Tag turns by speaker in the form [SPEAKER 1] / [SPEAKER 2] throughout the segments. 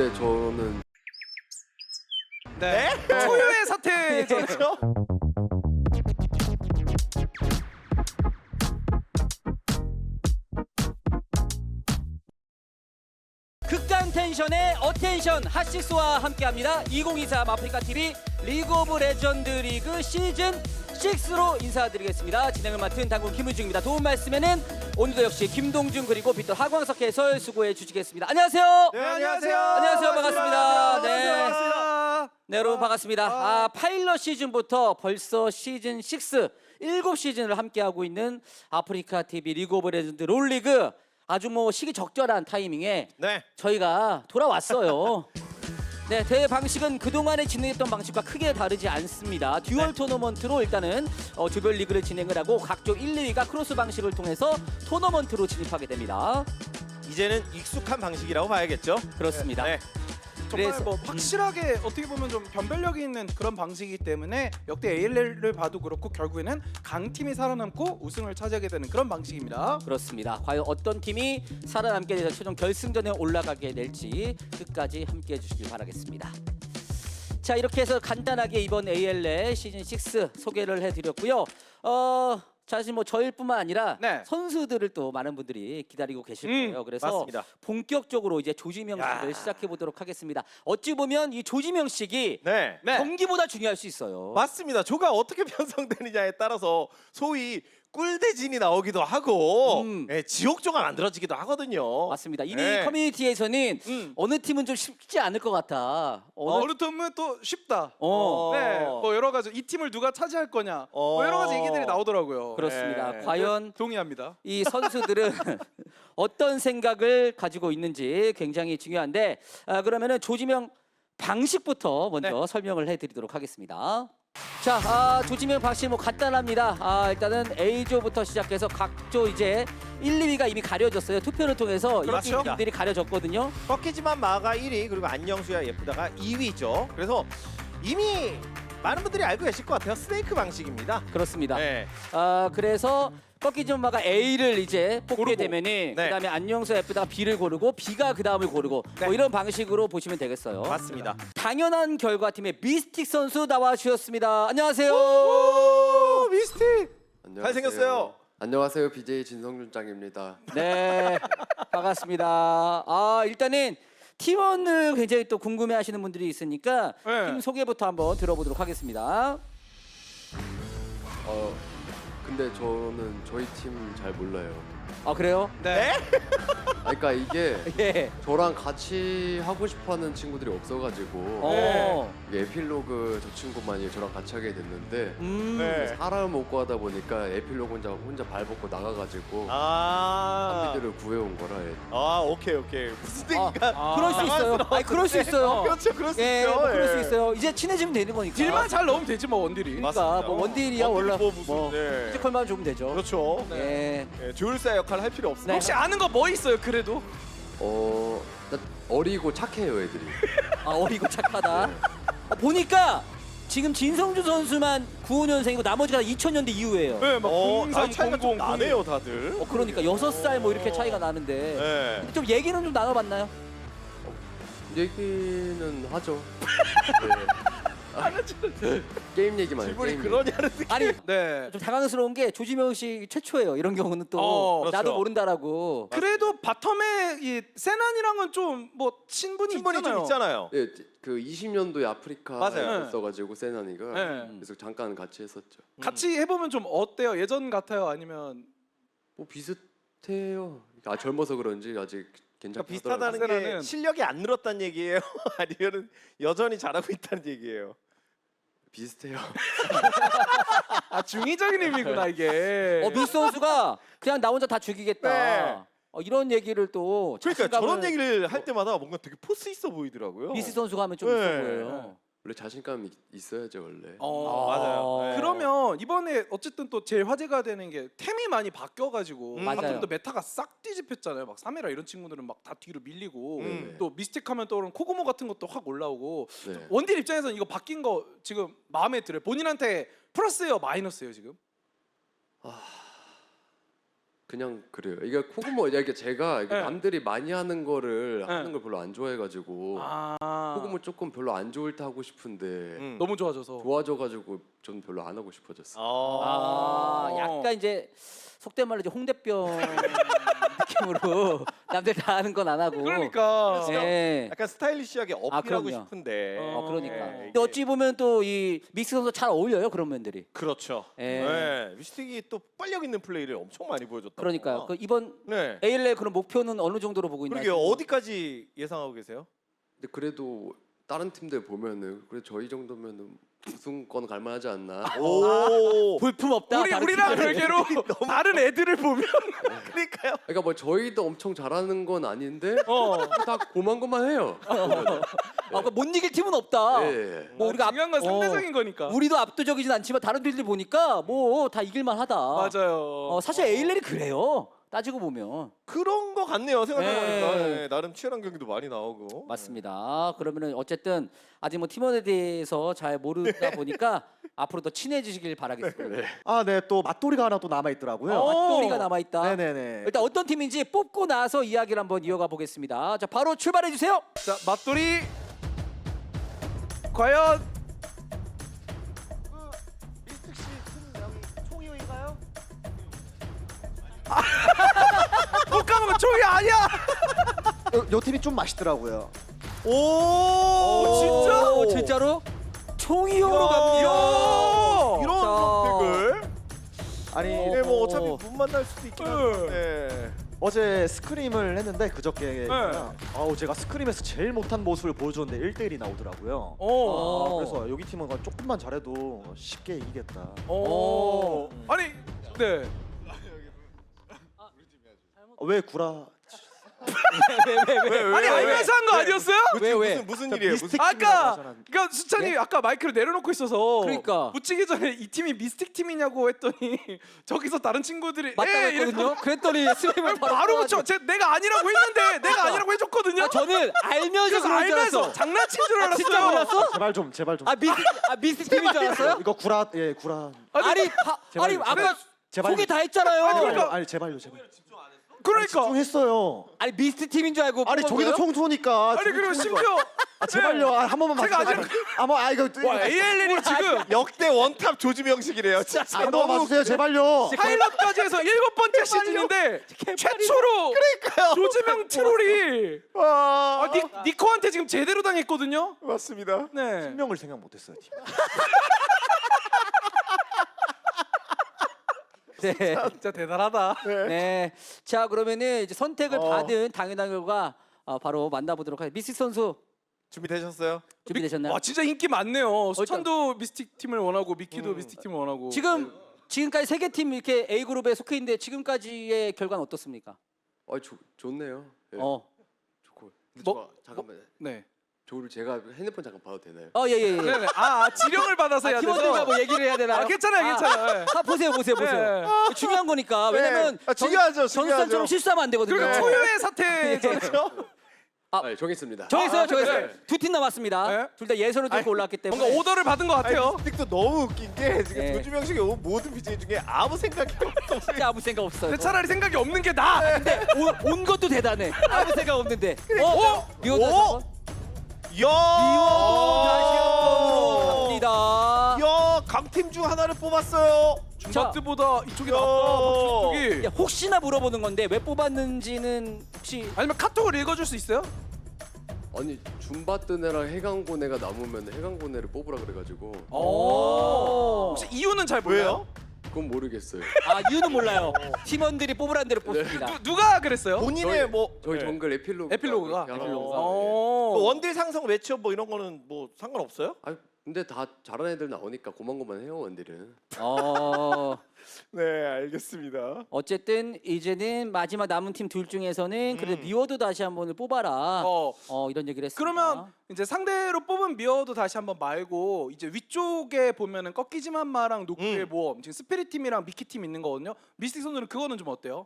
[SPEAKER 1] 근데 저는
[SPEAKER 2] 네. 초유의 사태죠.
[SPEAKER 3] 극강 텐션의 어텐션 핫식스와 함께합니다. 2023 아프리카 TV 리그 오브 레전드 리그 시즌 6로 인사드리겠습니다. 진행을 맡은 당군 김우중입니다. 도움 말씀에는 오늘도 역시 김동준 그리고 빅터 하광석 해설 수고해 주시겠습니다. 안녕하세요.
[SPEAKER 2] 네, 안녕하세요.
[SPEAKER 3] 안녕하세요. 반갑습니다. 네.
[SPEAKER 2] 반갑습니다.
[SPEAKER 3] 네, 여러분 반갑습니다. 파일럿 시즌부터 벌써 시즌 6 7시즌을 함께하고 있는 아프리카 TV 리그 오브 레전드 롤리그 아주 뭐 시기 적절한 타이밍에
[SPEAKER 2] 네.
[SPEAKER 3] 저희가 돌아왔어요. 네, 대회 방식은 그동안에 진행했던 방식과 크게 다르지 않습니다. 듀얼 토너먼트로 일단은 조별 리그를 진행을 하고 각조 1, 2위가 크로스 방식을 통해서 토너먼트로 진입하게 됩니다.
[SPEAKER 4] 이제는 익숙한 방식이라고 봐야겠죠.
[SPEAKER 3] 그렇습니다.
[SPEAKER 4] 네.
[SPEAKER 2] 정말
[SPEAKER 3] 그래서-
[SPEAKER 2] 뭐 확실하게 어떻게 보면 좀 변별력이 있는 그런 방식이기 때문에 역대 ALL을 봐도 그렇고 결국에는 강팀이 살아남고 우승을 차지하게 되는 그런 방식입니다.
[SPEAKER 3] 그렇습니다. 과연 어떤 팀이 살아남게 돼서 최종 결승전에 올라가게 될지 끝까지 함께해 주시길 바라겠습니다. 자, 이렇게 해서 간단하게 이번 ALL 시즌 6 소개를 해드렸고요. 사실 뭐 저일 뿐만 아니라
[SPEAKER 2] 네.
[SPEAKER 3] 선수들을 또 많은 분들이 기다리고 계실 거예요. 그래서
[SPEAKER 4] 맞습니다.
[SPEAKER 3] 본격적으로 이제 조지명식을 시작해 보도록 하겠습니다. 어찌 보면 이 조지명식이
[SPEAKER 4] 네.
[SPEAKER 3] 경기보다 중요할 수 있어요.
[SPEAKER 4] 맞습니다. 조가 어떻게 편성되느냐에 따라서 소위 꿀대진이 나오기도 하고 지옥조가 만들어지기도 하거든요.
[SPEAKER 3] 맞습니다. 이미
[SPEAKER 4] 네.
[SPEAKER 3] 커뮤니티에서는 어느 팀은 좀 쉽지 않을 것 같아.
[SPEAKER 2] 어느 팀은 또 쉽다.
[SPEAKER 3] 어.
[SPEAKER 2] 네, 뭐 여러 가지 이 팀을 누가 차지할 거냐, 뭐 여러 가지 얘기들이 나오더라고요.
[SPEAKER 3] 그렇습니다.
[SPEAKER 4] 네.
[SPEAKER 3] 과연
[SPEAKER 2] 동의합니다.
[SPEAKER 3] 이 선수들은 어떤 생각을 가지고 있는지 굉장히 중요한데 그러면은 조지명 방식부터 먼저 설명을 해드리도록 하겠습니다. 자, 조지명 방식 뭐 간단합니다. 일단은 A조부터 시작해서 각조 이제 1, 2위가 이미 가려졌어요. 투표를 통해서 이렇게
[SPEAKER 2] 그렇죠.
[SPEAKER 3] 팀들이 가려졌거든요.
[SPEAKER 4] 꺾이지만 마가 1위 그리고 안녕수야 예쁘다가 2위죠. 그래서 이미 많은 분들이 알고 계실 것 같아요. 스네이크 방식입니다.
[SPEAKER 3] 그렇습니다.
[SPEAKER 4] 네.
[SPEAKER 3] 그래서 꺾이지마가 A를 이제 뽑게
[SPEAKER 2] 고르고.
[SPEAKER 3] 되면은
[SPEAKER 4] 네.
[SPEAKER 3] 그다음에 안녕수 F다가 B를 고르고 B가 그 다음을 고르고 뭐 이런 방식으로 보시면 되겠어요.
[SPEAKER 4] 맞습니다.
[SPEAKER 3] 당연한 결과팀의 미스틱 선수 나와 주셨습니다. 안녕하세요.
[SPEAKER 4] 오, 미스틱.
[SPEAKER 1] 안녕하세요.
[SPEAKER 4] 잘생겼어요.
[SPEAKER 1] 안녕하세요. BJ 진성준 짱입니다.
[SPEAKER 3] 네, 반갑습니다. 일단은 팀원을 굉장히 또 궁금해하시는 분들이 있으니까
[SPEAKER 2] 네.
[SPEAKER 3] 팀 소개부터 한번 들어보도록 하겠습니다.
[SPEAKER 1] 근데 저는 저희 팀 잘 몰라요.
[SPEAKER 3] 그래요?
[SPEAKER 2] 네.
[SPEAKER 1] 그러니까 이게
[SPEAKER 3] 예.
[SPEAKER 1] 저랑 같이 하고 싶어하는 친구들이 없어가지고 이게 에필로그 저 친구만이 저랑 같이 하게 됐는데
[SPEAKER 4] 네.
[SPEAKER 1] 사람 못 구하다 보니까 에필로그 혼자 발벗고 나가가지고
[SPEAKER 4] 아.
[SPEAKER 1] 한비들을 구해온 거라.
[SPEAKER 4] 오케이. 무슨 얘기가?
[SPEAKER 3] 그럴 수 있어요. 그럴 수 있어요.
[SPEAKER 4] 그렇죠. 그럴 수
[SPEAKER 3] 예,
[SPEAKER 4] 있죠.
[SPEAKER 3] 뭐 그럴 수
[SPEAKER 4] 예.
[SPEAKER 3] 있어요. 이제 친해지면 되는 거니까.
[SPEAKER 2] 딜만 잘 넣으면 되지 뭐 원딜이.
[SPEAKER 3] 그러니까 뭐 원딜이야 원래
[SPEAKER 4] 뭐 무슨
[SPEAKER 3] 뭐
[SPEAKER 4] 네.
[SPEAKER 3] 피지컬만 주면 되죠.
[SPEAKER 4] 그렇죠.
[SPEAKER 3] 예.
[SPEAKER 4] 네, 조율사 역할 할 필요 없습니다.
[SPEAKER 3] 네.
[SPEAKER 2] 혹시 아는 거 뭐 있어요? 그래도
[SPEAKER 1] 일단 어리고 착해요 애들이.
[SPEAKER 3] 어리고 착하다. 보니까 지금 진성주 선수만 95년생이고 나머지가 2000년대 이후예요.
[SPEAKER 2] 네, 막
[SPEAKER 4] 나이 차이가 좀
[SPEAKER 2] 0300
[SPEAKER 4] 나네요, 다들.
[SPEAKER 3] 그러니까 6살 뭐 이렇게 차이가 나는데
[SPEAKER 4] 네.
[SPEAKER 3] 근데 좀 얘기는 좀 나눠봤나요?
[SPEAKER 1] 얘기는 하죠. 게임 얘기만 해요.
[SPEAKER 4] 질문이
[SPEAKER 1] 게임
[SPEAKER 4] 그러냐는 느낌.
[SPEAKER 3] 아니
[SPEAKER 2] 네.
[SPEAKER 3] 좀 당황스러운 게 조지명 씨 최초예요. 이런 경우는 또
[SPEAKER 4] 그렇죠.
[SPEAKER 3] 나도 모른다라고.
[SPEAKER 2] 그래도 바텀에 이 세난이랑은 좀 뭐 친분이
[SPEAKER 4] 충분히
[SPEAKER 2] 있잖아요.
[SPEAKER 4] 좀 있잖아요.
[SPEAKER 1] 예, 그 20년도에 아프리카에
[SPEAKER 4] 맞아요.
[SPEAKER 1] 있어가지고 세난이가
[SPEAKER 2] 네.
[SPEAKER 1] 그래서 잠깐 같이 했었죠.
[SPEAKER 2] 같이 해보면 좀 어때요? 예전 같아요? 아니면
[SPEAKER 1] 뭐 비슷해요. 젊어서 그런지 아직
[SPEAKER 4] 그러니까
[SPEAKER 1] 괜찮더라고요.
[SPEAKER 4] 비슷하다는 게
[SPEAKER 2] 세라는-
[SPEAKER 4] 실력이 안 늘었다는 얘기예요? 아니면 여전히 잘하고 있다는 얘기예요?
[SPEAKER 1] 비슷해요.
[SPEAKER 2] 중의적인 의미구나 이게.
[SPEAKER 3] 미스 선수가 그냥 나 혼자 다 죽이겠다.
[SPEAKER 4] 네.
[SPEAKER 3] 이런 얘기를 또
[SPEAKER 4] 그러니까
[SPEAKER 3] 자신감을
[SPEAKER 4] 저런 얘기를 할 때마다 뭔가 되게 포스 있어 보이더라고요.
[SPEAKER 3] 미스 선수가 하면 좀
[SPEAKER 4] 네.
[SPEAKER 3] 있어 보여요.
[SPEAKER 1] 원래 자신감이 있어야죠 원래.
[SPEAKER 4] 맞아요. 네.
[SPEAKER 2] 그러면 이번에 어쨌든 또 제일 화제가 되는 게 템이 많이 바뀌어가지고
[SPEAKER 3] 맞아요.
[SPEAKER 2] 또 메타가 싹 뒤집혔잖아요. 막 사메라 이런 친구들은 막 다 뒤로 밀리고
[SPEAKER 1] 네.
[SPEAKER 2] 또 미스틱하면 떠오르는 코고모 같은 것도 확 올라오고
[SPEAKER 1] 네.
[SPEAKER 2] 원딜 입장에서는 이거 바뀐 거 지금 마음에 들어요. 본인한테 플러스예요, 마이너스예요 지금?
[SPEAKER 1] 그냥 그래요. 이게 코그모 이게 제가 이게
[SPEAKER 2] 네.
[SPEAKER 1] 남들이 많이 하는 거를
[SPEAKER 2] 네.
[SPEAKER 1] 하는 걸 별로 안 좋아해가지고 코그모 조금 별로 안 좋을 때 하고 싶은데
[SPEAKER 2] 너무 좋아져서.
[SPEAKER 1] 좋아져가지고 전 별로 안 하고 싶어졌어요.
[SPEAKER 3] 약간 이제 속된 말로 이제 홍대병 느낌으로 남들 다 하는 건 안 하고.
[SPEAKER 2] 그러니까.
[SPEAKER 3] 예.
[SPEAKER 4] 약간 스타일리시하게 어필하고
[SPEAKER 3] 그럼요.
[SPEAKER 4] 싶은데.
[SPEAKER 3] 그러니까.
[SPEAKER 4] 네,
[SPEAKER 3] 근데
[SPEAKER 4] 이게-
[SPEAKER 3] 어찌 보면 또 이 믹스 선수 잘 어울려요 그런 면들이.
[SPEAKER 4] 그렇죠.
[SPEAKER 3] 예.
[SPEAKER 4] 네. 미스틱이 또 빨력 있는 플레이를 엄청 많이 보여줬다.
[SPEAKER 3] 그러니까요. 그 이번
[SPEAKER 4] 네.
[SPEAKER 3] ALL 그런 목표는 어느 정도로 보고 있나요?
[SPEAKER 4] 그러게요. 어디까지 예상하고 계세요?
[SPEAKER 1] 근데 그래도 다른 팀들 보면은 그래 저희 정도면은 우승권 갈만하지 않나?
[SPEAKER 4] 오.
[SPEAKER 3] 볼품 없다. 다른
[SPEAKER 2] 우리랑
[SPEAKER 3] 팀들은.
[SPEAKER 2] 별개로 다른 애들을 보면
[SPEAKER 4] 그러니까요.
[SPEAKER 1] 그러니까 뭐 저희도 엄청 잘하는 건 아닌데 다 고만고만해요.
[SPEAKER 3] 못 이길 팀은 없다.
[SPEAKER 1] 예.
[SPEAKER 3] 뭐 우리가
[SPEAKER 2] 중요한 건 상대적인 거니까.
[SPEAKER 3] 우리도 압도적이진 않지만 다른 팀들 보니까 뭐 다 이길만하다.
[SPEAKER 2] 맞아요.
[SPEAKER 3] 사실 ALL이 그래요. 따지고 보면
[SPEAKER 4] 그런 거 같네요. 생각해보니까
[SPEAKER 3] 네.
[SPEAKER 4] 네, 나름 치열한 경기도 많이 나오고.
[SPEAKER 3] 맞습니다. 그러면은 어쨌든 아직 뭐 팀원에 대해서 잘 모르다 보니까 앞으로 더 친해지시길 바라겠습니다.
[SPEAKER 5] 아, 네, 또 맞돌이가 하나 또 남아 있더라고요.
[SPEAKER 3] 맞돌이가 남아 있다.
[SPEAKER 5] 네네네.
[SPEAKER 3] 일단 어떤 팀인지 뽑고 나서 이야기를 한번 이어가 보겠습니다. 자, 바로 출발해 주세요.
[SPEAKER 2] 자, 맞돌이 과연
[SPEAKER 5] 미스틱 씨큰 여기 총이인가요?
[SPEAKER 2] 못 가면 총이 아니야.
[SPEAKER 5] 요 팀이 좀 맛있더라고요.
[SPEAKER 4] 오,
[SPEAKER 2] 진짜?
[SPEAKER 3] 진짜로 총이용으로 갑니다.
[SPEAKER 4] 이런
[SPEAKER 3] 자.
[SPEAKER 4] 선택을.
[SPEAKER 5] 아니
[SPEAKER 4] 네, 뭐 어차피 못 만날 수도 있긴
[SPEAKER 2] 네.
[SPEAKER 4] 한데.
[SPEAKER 5] 어제 스크림을 했는데 그저께
[SPEAKER 2] 네.
[SPEAKER 5] 아우 제가 스크림에서 제일 못한 모습을 보여줬는데 1대1이 나오더라고요.
[SPEAKER 3] 어.
[SPEAKER 5] 그래서 여기 팀은 조금만 잘해도 쉽게 이기겠다.
[SPEAKER 2] 아니, 네.
[SPEAKER 5] 왜 구라?
[SPEAKER 2] 아니 알면서 한 거 아니었어요?
[SPEAKER 3] 왜?
[SPEAKER 4] 무슨 일이에요? 무슨
[SPEAKER 5] 미스틱
[SPEAKER 2] 아까
[SPEAKER 5] 팀이라고 하잖아.
[SPEAKER 2] 그러니까 수찬이 아까 마이크를 내려놓고 있어서
[SPEAKER 3] 그러니까.
[SPEAKER 2] 붙이기 전에 이 팀이 미스틱 팀이냐고 했더니 저기서 다른 친구들이
[SPEAKER 3] 맞다고
[SPEAKER 2] 예,
[SPEAKER 3] 했거든요. 그랬더니 스냅을
[SPEAKER 2] 바로 붙여. 내가 아니라고 했는데 내가 아니라고 해줬거든요.
[SPEAKER 3] 저는 알면서
[SPEAKER 2] 그래서
[SPEAKER 3] 그런 줄
[SPEAKER 2] 알면서
[SPEAKER 3] 알았어.
[SPEAKER 2] 장난친 줄 알았어요.
[SPEAKER 3] 진짜 몰랐어?
[SPEAKER 5] 제발 좀.
[SPEAKER 3] 미스 팀인 줄 알았어요?
[SPEAKER 5] 이거 구라 구라.
[SPEAKER 3] 아니 아까
[SPEAKER 5] 제발.
[SPEAKER 3] 소개 다 했잖아요.
[SPEAKER 2] 아니, 그러니까-
[SPEAKER 5] 아니 제발요.
[SPEAKER 2] 그러니까
[SPEAKER 5] 집중했어요.
[SPEAKER 3] 아니 미스트 팀인 줄 알고
[SPEAKER 5] 아니
[SPEAKER 3] 뽑은
[SPEAKER 5] 저기도
[SPEAKER 3] 거예요?
[SPEAKER 5] 총 쏘니까.
[SPEAKER 2] 아니 그리고 심지어
[SPEAKER 5] 제발요. 한 번만
[SPEAKER 2] 제가
[SPEAKER 5] 봐주세요. 이거
[SPEAKER 2] 와 ALL이 지금
[SPEAKER 4] 역대 원탑 조지명식이래요. 진짜
[SPEAKER 5] 한 번만 봐주세요. 제발요.
[SPEAKER 2] 파일럿까지 해서 7번째 시즌인데 최초로 조지명 트롤이
[SPEAKER 4] 와,
[SPEAKER 2] 니코한테 지금 제대로 당했거든요.
[SPEAKER 4] 맞습니다.
[SPEAKER 2] 네.
[SPEAKER 5] 생명을 생각 못했어요. 팀.
[SPEAKER 3] 네.
[SPEAKER 2] 진짜 대단하다.
[SPEAKER 3] 네. 자 그러면은 이제 선택을
[SPEAKER 4] 어.
[SPEAKER 3] 받은 당연한 결과 바로 만나보도록 하겠습니다. 미스틱 선수
[SPEAKER 4] 준비되셨어요?
[SPEAKER 3] 준비되셨나요?
[SPEAKER 2] 와 진짜 인기 많네요. 수찬도 미스틱 팀을 원하고 미키도 미스틱 팀을 원하고.
[SPEAKER 3] 지금까지 세 개 팀 이렇게 A 그룹에 속해 있는데 지금까지의 결과는 어떻습니까?
[SPEAKER 1] 좋네요. 예, 좋고. 근데
[SPEAKER 2] 뭐-
[SPEAKER 1] 잠깐만.
[SPEAKER 2] 네.
[SPEAKER 1] 저를 제가 핸드폰 잠깐 봐도 되나요?
[SPEAKER 3] 예.
[SPEAKER 2] 네네. 지령을 받아서 해야 돼서.
[SPEAKER 3] 팀원들과 뭐 얘기를 해야 되나요?
[SPEAKER 2] 괜찮아요. 괜찮아요.
[SPEAKER 3] 보세요.
[SPEAKER 2] 네.
[SPEAKER 3] 중요한 거니까. 왜냐면
[SPEAKER 4] 중요하죠.
[SPEAKER 3] 전수산처럼 실수하면 안 되거든요.
[SPEAKER 2] 그리고 초유의 사태.
[SPEAKER 1] 네, 정했습니다.
[SPEAKER 3] 정했어요.
[SPEAKER 2] 네.
[SPEAKER 3] 두 팀 남았습니다.
[SPEAKER 2] 네.
[SPEAKER 3] 둘 다 예선을 들고 올라왔기 때문에.
[SPEAKER 2] 뭔가 오더를 받은 것 같아요.
[SPEAKER 4] 미스틱도 너무 웃긴 게 지금
[SPEAKER 3] 네.
[SPEAKER 4] 조지명식이 온 모든 BJ 중에 아무 생각이 없어.
[SPEAKER 3] 진짜 아무 생각 없어요.
[SPEAKER 2] 근데 차라리 생각이 없는 게 나아.
[SPEAKER 3] 근데 온 것도 대단해. 아무 생각 없는데. 미워도
[SPEAKER 4] 오! 이야!
[SPEAKER 3] 다시 한 번으로 갑니다.
[SPEAKER 4] 이야, 강팀 중 하나를 뽑았어요.
[SPEAKER 2] 줌바트보다 이쪽이
[SPEAKER 4] 야.
[SPEAKER 2] 낫다. 박수
[SPEAKER 3] 야, 혹시나 물어보는 건데 왜 뽑았는지는 혹시
[SPEAKER 2] 아니면 카톡을 읽어줄 수 있어요?
[SPEAKER 1] 아니 줌바뜬 애랑 해강고네가 남으면 해강고네를 뽑으라 그래가지고
[SPEAKER 2] 혹시 이유는 잘 몰라요?
[SPEAKER 4] 왜요?
[SPEAKER 1] 그건 모르겠어요.
[SPEAKER 3] 이유는 몰라요. 팀원들이 뽑으란 대로 뽑습니다.
[SPEAKER 2] 누가 그랬어요?
[SPEAKER 4] 본인의 뭐
[SPEAKER 1] 저희
[SPEAKER 4] 네.
[SPEAKER 1] 정글 에필로그
[SPEAKER 2] 에필로그가?
[SPEAKER 4] 뭐 원딜 상성 매치업 뭐 이런 거는 뭐 상관없어요?
[SPEAKER 1] 아 근데 다 잘하는 애들 나오니까 고만고만 해요 원딜은.
[SPEAKER 4] 네, 알겠습니다.
[SPEAKER 3] 어쨌든 이제는 마지막 남은 팀 둘 중에서는 그래도 미워도 다시 한 번을 뽑아라. 이런 얘기를 했습니다.
[SPEAKER 2] 그러면 이제 상대로 뽑은 미어도 다시 한번 말고 이제 위쪽에 보면은 꺾이지만 마랑 노크의 모험 지금 스피릿 팀이랑 미키 팀 있는 거거든요. 미스틱 선수는 그거는 좀 어때요?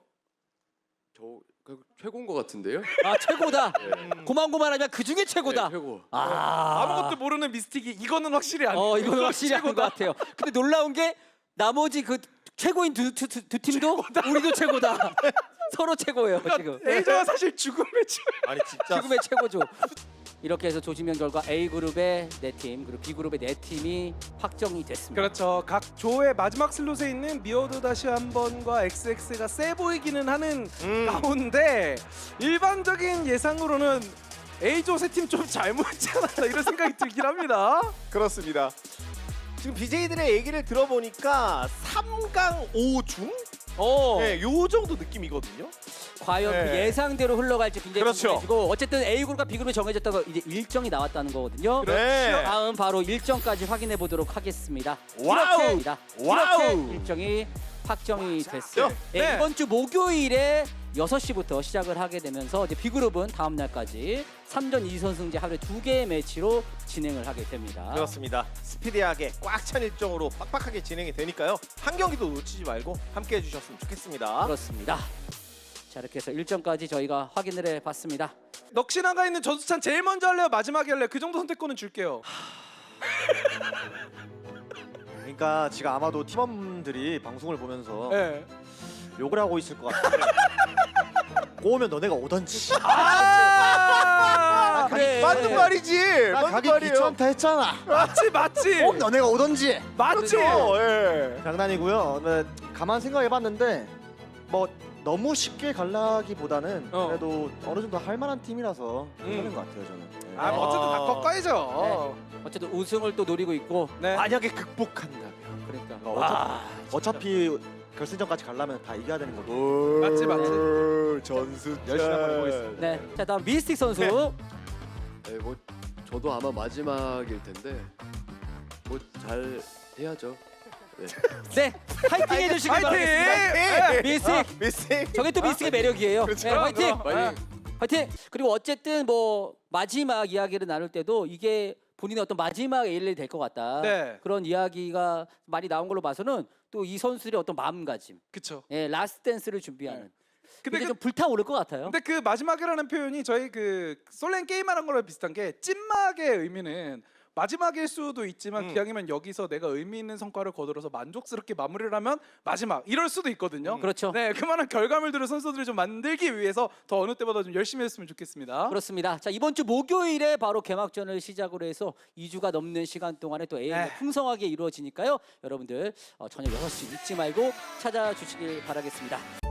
[SPEAKER 1] 최고인 것 같은데요?
[SPEAKER 3] 최고다. 고만고만하면 그 중에 최고다.
[SPEAKER 1] 네, 최고.
[SPEAKER 2] 아무것도 모르는 미스틱이 이거는 확실히 아니에요.
[SPEAKER 3] 이건 확실히 한 것 같아요. 근데 놀라운 게 나머지 그 최고인 두 팀도 우리도 최고다. 서로 최고예요 지금.
[SPEAKER 2] A조가 사실 죽음의 주.
[SPEAKER 4] 아니 진짜
[SPEAKER 3] 지금의 최고죠. 이렇게 해서 조지명 결과 A 그룹의 4팀 그리고 B 그룹의 4팀이 확정이 됐습니다.
[SPEAKER 2] 그렇죠. 각 조의 마지막 슬롯에 있는 미어도 다시 한 번과 XX가 세 보이기는 하는 가운데 일반적인 예상으로는 A조 세 팀 좀 잘못했지 않았나 이런 생각이 들긴 합니다.
[SPEAKER 4] 그렇습니다. 지금 BJ들의 얘기를 들어보니까 3강 5중? 네, 요 정도 느낌이거든요.
[SPEAKER 3] 과연 그
[SPEAKER 4] 네.
[SPEAKER 3] 예상대로 흘러갈지 굉장히
[SPEAKER 4] 그렇죠.
[SPEAKER 3] 궁금해지고 어쨌든 A 그룹과 B 그룹이 정해졌다고 이제 일정이 나왔다는 거거든요.
[SPEAKER 4] 네.
[SPEAKER 3] 다음 바로 일정까지 확인해 보도록 하겠습니다.
[SPEAKER 4] 와우!
[SPEAKER 3] 이렇게
[SPEAKER 4] 와우!
[SPEAKER 3] 일정이 확정이 됐어요.
[SPEAKER 2] 네.
[SPEAKER 3] 이번 주 목요일에 6시부터 시작을 하게 되면서 이제 B 그룹은 다음 날까지 3전 2선승제 하루에 2개의 매치로 진행을 하게 됩니다.
[SPEAKER 4] 그렇습니다. 스피디하게 꽉 찬 일정으로 빡빡하게 진행이 되니까요. 한 경기도 놓치지 말고 함께 해주셨으면 좋겠습니다.
[SPEAKER 3] 그렇습니다. 자, 이렇게 해서 일정까지 저희가 확인을 해봤습니다.
[SPEAKER 2] 넋이 나가 있는 전수찬 제일 먼저 할래요? 마지막에 할래요? 그 정도 선택권은 줄게요.
[SPEAKER 5] 그러니까 지금 아마도 팀원들이 방송을 보면서
[SPEAKER 2] 네.
[SPEAKER 5] 욕을 하고 있을 것 같은데 꼬우면 너네가 오던지.
[SPEAKER 2] 아,
[SPEAKER 3] 그래.
[SPEAKER 4] 맞는 말이지.
[SPEAKER 5] 나
[SPEAKER 4] 맞는
[SPEAKER 5] 가기
[SPEAKER 4] 말이에요.
[SPEAKER 5] 귀찮다 했잖아.
[SPEAKER 2] 맞지.
[SPEAKER 5] 꼭 너네가 오던지.
[SPEAKER 2] 맞지.
[SPEAKER 4] 예.
[SPEAKER 5] 장난이고요. 네, 가만 생각해봤는데 뭐 너무 쉽게 갈라기보다는 그래도 어느 정도 할 만한 팀이라서 괜찮은 것 같아요 저는. 네.
[SPEAKER 2] 아, 어쨌든 다 꺾어야죠.
[SPEAKER 3] 어쨌든 우승을 또 노리고 있고
[SPEAKER 2] 네.
[SPEAKER 4] 만약에 극복한다면.
[SPEAKER 3] 그러니까
[SPEAKER 5] 어차피 결승전까지 가려면 다 이겨야 되는 거고.
[SPEAKER 2] 맞지.
[SPEAKER 4] 전수
[SPEAKER 5] 열심히 한번 해보겠습니다.
[SPEAKER 3] 네. 자, 다음 미스틱 선수.
[SPEAKER 1] 네, 뭐 저도 아마 마지막일 텐데 뭐 잘 해야죠. 네.
[SPEAKER 3] 네. 파이팅 해주시길
[SPEAKER 2] 파이팅!
[SPEAKER 3] 바라겠습니다. 미스틱.
[SPEAKER 4] 미스틱.
[SPEAKER 3] 저게 또 미스틱의 매력이에요.
[SPEAKER 4] 그렇죠.
[SPEAKER 3] 네, 화이팅!
[SPEAKER 2] 그럼.
[SPEAKER 3] 화이팅! 그리고 어쨌든 뭐 마지막 이야기를 나눌 때도 이게 본인의 어떤 마지막 A를 될 것 같다.
[SPEAKER 2] 네.
[SPEAKER 3] 그런 이야기가 많이 나온 걸로 봐서는 또 이 선수들의 어떤 마음가짐,
[SPEAKER 2] 그쵸.
[SPEAKER 3] 예, 라스트 댄스를 준비하는.
[SPEAKER 2] 네.
[SPEAKER 3] 근데
[SPEAKER 2] 근데
[SPEAKER 3] 좀 불타오를 것 같아요.
[SPEAKER 2] 근데 그 마지막이라는 표현이 저희 그 솔랭 게임하는 거랑 비슷한 게 찐막의 의미는 마지막일 수도 있지만 기왕이면 여기서 내가 의미 있는 성과를 거들어서 만족스럽게 마무리를 하면 마지막 이럴 수도 있거든요.
[SPEAKER 3] 그렇죠.
[SPEAKER 2] 네, 그만한 결과물들을 선수들이 좀 만들기 위해서 더 어느 때보다 좀 열심히 했으면 좋겠습니다.
[SPEAKER 3] 그렇습니다. 자, 이번 주 목요일에 바로 개막전을 시작으로 해서 2주가 넘는 시간 동안에 또 AM이
[SPEAKER 2] 네.
[SPEAKER 3] 풍성하게 이루어지니까요. 여러분들 저녁 6시 잊지 말고 찾아주시길 바라겠습니다.